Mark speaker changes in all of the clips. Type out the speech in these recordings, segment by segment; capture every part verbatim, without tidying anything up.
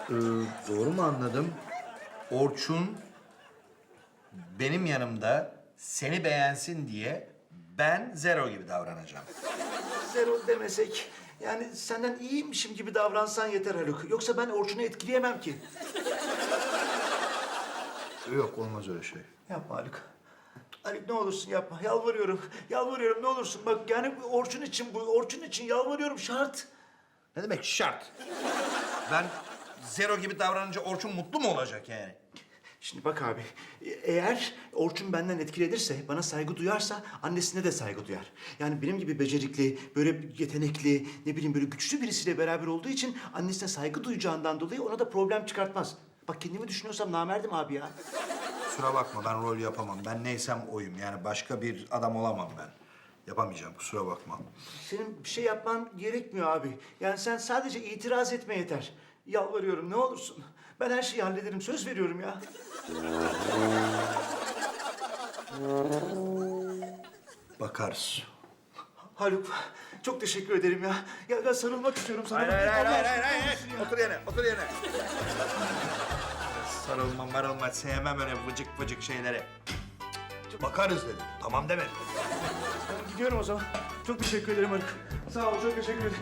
Speaker 1: Ee, doğru mu anladım? Orçun benim yanımda seni beğensin diye ben zero gibi davranacağım.
Speaker 2: Zero demesek, yani senden iyiymişim gibi davransan yeter Haluk. Yoksa ben Orçun'u etkileyemem ki.
Speaker 1: Yok, olmaz öyle şey.
Speaker 2: Yapma Haluk. Haluk ne olursun yapma. Yalvarıyorum. Yalvarıyorum ne olursun. Bak yani Orçun için bu. Orçun için yalvarıyorum şart.
Speaker 1: Ne demek şart? Ben zero gibi davranınca Orçun mutlu mu olacak yani?
Speaker 2: Şimdi bak abi, e- eğer Orçun benden etkilenirse, bana saygı duyarsa annesine de saygı duyar. Yani benim gibi becerikli, böyle yetenekli, ne bileyim böyle güçlü birisiyle beraber olduğu için annesine saygı duyacağından dolayı ona da problem çıkartmaz. Bak kendimi düşünüyorsam namerdim abi ya.
Speaker 1: Kusura bakma, ben rol yapamam. Ben neysem oyum. Yani başka bir adam olamam ben. Yapamayacağım, kusura bakma.
Speaker 2: Senin bir şey yapman gerekmiyor abi. Yani sen sadece itiraz etme yeter. Yalvarıyorum ne olursun. Ben her şeyi hallederim, söz veriyorum ya.
Speaker 1: Bakarız.
Speaker 2: Haluk, çok teşekkür ederim ya. Ya ben sarılmak istiyorum sana.
Speaker 1: Hayır, hayır, hayır,
Speaker 2: Allah
Speaker 1: hayır,
Speaker 2: aşkına
Speaker 1: hayır, hayır.
Speaker 2: olsun ya.
Speaker 1: Otur yerine, otur yerine. Sarılma, marılma, sevmem öyle vıcık vıcık şeyleri. Bakarız dedim, tamam demedim.
Speaker 2: Ben gidiyorum o zaman. Çok teşekkür ederim Haluk. Sağ ol, çok teşekkür ederim.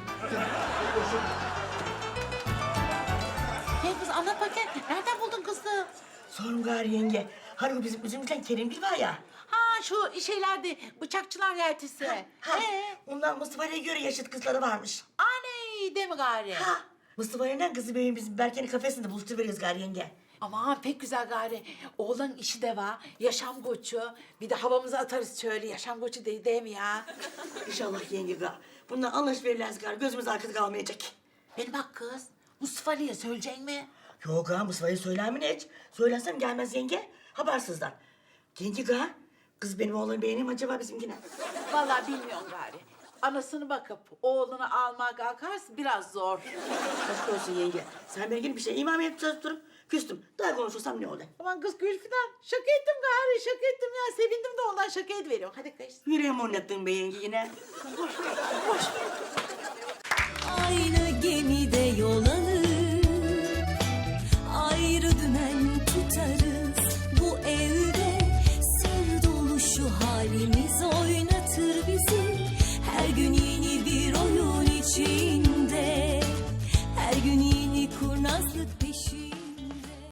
Speaker 3: Gel kız anlat bakayım. Nereden buldun kızı?
Speaker 4: Sorun gari yenge. Hani o bizim üzümcüden Kerimgil var ya.
Speaker 3: Ha şu şeylerde bıçakçılar yeltisi.
Speaker 4: Ha,
Speaker 3: Ee?
Speaker 4: ondan Mustafa'ya göre yaşıt kızları varmış.
Speaker 3: Aney de mi gari?
Speaker 4: Ha, Mustafa'yla kızı benim bizim Berke'nin kafesinde buluşturuveriyoruz gari yenge.
Speaker 3: Aman pek güzel gari. Oğlan işi de var. Yaşam koçu. Bir de havamızı atarız şöyle. Yaşam koçu değil, değil mi ya?
Speaker 4: İnşallah yenge ga. Bundan anlaşıverirlerse gari gözümüz arkada kalmayacak.
Speaker 3: Beni bak kız. Mustafa Ali'ye söyleyecek mi?
Speaker 4: Yok ha Mustafa'ya söyler mi ne hiç? Söylersem gelmez yenge. Habersizler. Yenge ga. Kız benim oğlanı beğenir mi acaba bizimkine?
Speaker 3: Vallahi bilmiyorum gari. Anasını bakıp oğlunu almak kalkarsa biraz zor.
Speaker 4: Aşk olsun yenge. Sen beni gelip bir şey imam edip çalıştırıp küstüm. Daha konuşursam ne olur?
Speaker 3: Aman kız Gülfidan şaka ettim gari şaka ettim ya. Sevindim de ondan şaka ediveriyorum. Hadi kız.
Speaker 4: Yüreğimi oynattın be yenge yine.
Speaker 3: Boş ver, boş ver.
Speaker 5: Aynı gemide yol